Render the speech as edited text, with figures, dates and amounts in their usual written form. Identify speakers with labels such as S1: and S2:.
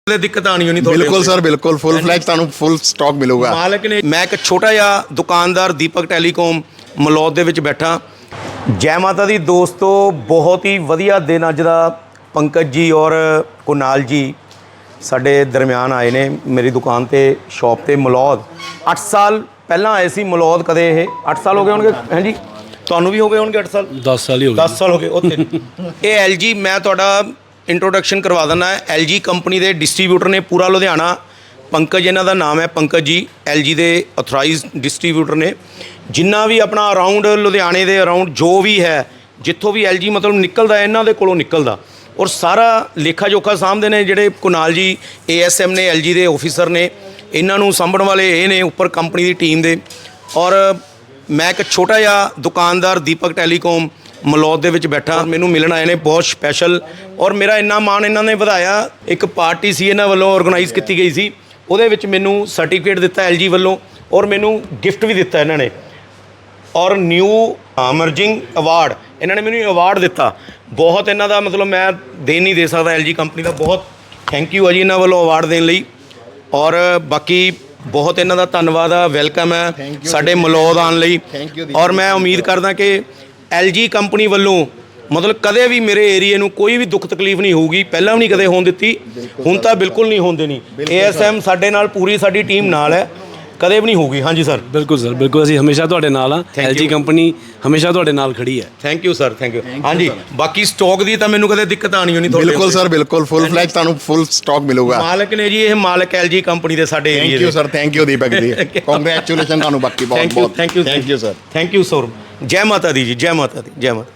S1: ਦਿੱਕਤ ਆਣੀ ਹੋਣੀ ਤੁਹਾਡੇ
S2: बिल्कुल सर बिल्कुल फुल फ्लैग ਤੁਹਾਨੂੰ ਫੁੱਲ ਸਟਾਕ ਮਿਲੂਗਾ।
S1: ਮਾਲਕ ਨੇ ਮੈਂ ਇੱਕ ਛੋਟਾ ਜਿਹਾ ਦੁਕਾਨਦਾਰ ਦੀਪਕ ਟੈਲੀਕਾਮ ਮਲੌਦ ਦੇ ਵਿੱਚ ਬੈਠਾ। ਜੈ ਮਾਤਾ ਦੀ ਦੋਸਤੋ, ਬਹੁਤ ਹੀ ਵਧੀਆ ਦਿਨ ਅੱਜ ਦਾ। ਪੰਕਜ ਜੀ ਔਰ ਕੁਨਾਲ ਜੀ ਸਾਡੇ ਦਰਮਿਆਨ ਆਏ ਨੇ ਮੇਰੀ ਦੁਕਾਨ ਤੇ ਸ਼ਾਪ ਤੇ ਮਲੌਦ। 8 ਸਾਲ ਪਹਿਲਾਂ ਆਏ ਸੀ ਮਲੌਦ। ਕਦੇ ਇਹ 8 ਸਾਲ ਹੋ ਗਏ ਹੋਣਗੇ? ਹਾਂਜੀ, ਤੁਹਾਨੂੰ ਵੀ ਹੋ ਗਏ ਹੋਣਗੇ 8 ਸਾਲ।
S3: 10 ਸਾਲ ਹੀ ਹੋ ਗਏ।
S1: 10 ਸਾਲ ਹੋ ਗਏ ਉੱਥੇ। ਇਹ LG, ਮੈਂ ਤੁਹਾਡਾ ਇੰਟਰੋਡਕਸ਼ਨ ਕਰਵਾ ਦਿੰਦਾ। LG ਕੰਪਨੀ ਦੇ ਡਿਸਟ੍ਰੀਬਿਊਟਰ ਨੇ ਪੂਰਾ ਲੁਧਿਆਣਾ। ਪੰਕਜ ਇਹਨਾਂ ਦਾ ਨਾਮ ਹੈ, ਪੰਕਜ ਜੀ LG ਦੇ ਆਥੋਰਾਈਜ਼ਡ ਡਿਸਟ੍ਰੀਬਿਊਟਰ ਨੇ। ਜਿੰਨਾ ਵੀ ਆਪਣਾ ਅਰਾਊਂਡ ਲੁਧਿਆਣੇ ਦੇ ਅਰਾਊਂਡ ਜੋ ਵੀ ਹੈ, ਜਿੱਥੋਂ ਵੀ LG ਮਤਲਬ ਨਿਕਲਦਾ ਇਹਨਾਂ ਦੇ ਕੋਲੋਂ ਨਿਕਲਦਾ। ਔਰ ਸਾਰਾ ਲੇਖਾ ਜੋਖਾ ਸਾਂਭਦੇ ਨੇ ਜਿਹੜੇ ਕੁਨਾਲ ਜੀ ASM ਨੇ, LG ਦੇ ਆਫਿਸਰ ਨੇ। ਇਹਨਾਂ ਨੂੰ ਸਾਂਭਣ ਵਾਲੇ ਇਹ ਨੇ ਉੱਪਰ ਕੰਪਨੀ ਦੀ ਟੀਮ ਦੇ। ਔਰ ਮੈਂ ਇੱਕ ਛੋਟਾ ਜਿਹਾ ਦੁਕਾਨਦਾਰ ਦੀਪਕ ਟੈਲੀਕਾਮ ਮਲੌਦ ਦੇ ਵਿੱਚ ਬੈਠਾ। ਮੈਨੂੰ ਮਿਲਣ ਆਏ ਨੇ ਬਹੁਤ ਸਪੈਸ਼ਲ। ਔਰ ਮੇਰਾ ਇੰਨਾ ਮਾਣ ਇਹਨਾਂ ਨੇ ਵਧਾਇਆ। ਇੱਕ ਪਾਰਟੀ ਸੀ ਇਹਨਾਂ ਵੱਲੋਂ ਆਰਗੇਨਾਈਜ਼ ਕੀਤੀ ਗਈ ਸੀ, ਉਹਦੇ ਵਿੱਚ ਮੈਨੂੰ ਸਰਟੀਫਿਕੇਟ ਦਿੱਤਾ LG ਵੱਲੋਂ ਔਰ ਮੈਨੂੰ ਗਿਫਟ ਵੀ ਦਿੱਤਾ ਇਹਨਾਂ ਨੇ। ਔਰ ਨਿਊ ਅਮਰਜਿੰਗ ਅਵਾਰਡ ਇਹਨਾਂ ਨੇ ਮੈਨੂੰ ਅਵਾਰਡ ਦਿੱਤਾ। ਬਹੁਤ ਇਹਨਾਂ ਦਾ ਮਤਲਬ ਮੈਂ ਦੇ ਨਹੀਂ ਦੇ ਸਕਦਾ। LG ਕੰਪਨੀ ਦਾ ਬਹੁਤ ਥੈਂਕ ਯੂ ਹੈ ਜੀ ਇਹਨਾਂ ਵੱਲੋਂ ਅਵਾਰਡ ਦੇਣ ਲਈ। ਔਰ ਬਾਕੀ ਬਹੁਤ ਇਹਨਾਂ ਦਾ ਧੰਨਵਾਦ ਆ, ਵੈਲਕਮ ਹੈ ਸਾਡੇ ਮਲੌਦ ਆਉਣ ਲਈ। ਔਰ ਮੈਂ ਉਮੀਦ ਕਰਦਾ ਕਿ LG ਕੰਪਨੀ ਵੱਲੋਂ ਮਤਲਬ ਕਦੇ ਵੀ ਮੇਰੇ ਏਰੀਏ ਨੂੰ ਕੋਈ ਵੀ ਦੁੱਖ ਤਕਲੀਫ ਨਹੀਂ ਹੋਊਗੀ। ਪਹਿਲਾਂ ਵੀ ਨਹੀਂ ਕਦੇ ਹੋਣ ਦਿੱਤੀ, ਹੁਣ ਤਾਂ ਬਿਲਕੁਲ ਨਹੀਂ ਹੋਣ ਦੇਣੀ। ASM ਸਾਡੇ ਨਾਲ, ਪੂਰੀ ਸਾਡੀ ਟੀਮ ਨਾਲ ਹੈ, ਕਦੇ ਵੀ ਨਹੀਂ ਹੋਊਗੀ। ਹਾਂਜੀ ਸਰ,
S3: ਬਿਲਕੁਲ ਸਰ, ਬਿਲਕੁਲ। ਅਸੀਂ ਹਮੇਸ਼ਾ ਤੁਹਾਡੇ ਨਾਲ ਆ। LG ਕੰਪਨੀ ਹਮੇਸ਼ਾ ਤੁਹਾਡੇ ਨਾਲ ਖੜੀ ਹੈ।
S1: Thank you sir, thank you. ਹਾਂਜੀ, ਬਾਕੀ ਸਟਾਕ ਦੀ ਤਾਂ ਮੈਨੂੰ ਕਦੇ ਦਿੱਕਤ ਆਣੀ ਹੋਣੀ ਤੁਹਾਡੇ।
S2: ਬਿਲਕੁਲ ਸਰ ਬਿਲकुल ਫੁੱਲ ਫਲੈਗ ਤੁਹਾਨੂੰ ਫੁੱਲ ਸਟਾਕ ਮਿਲੂਗਾ।
S1: ਮਾਲਕ ਨੇ ਜੀ, ਇਹ ਮਾਲਕ LG ਕੰਪਨੀ ਦੇ ਸਾਡੇ ਏਰੀਏ
S2: ਥੈਂਕ
S1: ਦੇ।
S2: You sir, thank you Deepak ji. Congratulation ਤੁਹਾਨੂੰ ਬਾਕੀ ਬਹੁਤ ਬਹੁਤ।
S1: Thank you
S2: thank you sir.
S1: Thank you sir. ਜੈ ਮਾਤਾ ਦੀ ਜੀ, ਜੈ ਮਾਤਾ ਦੀ, ਜੈ ਮਾਤਾ।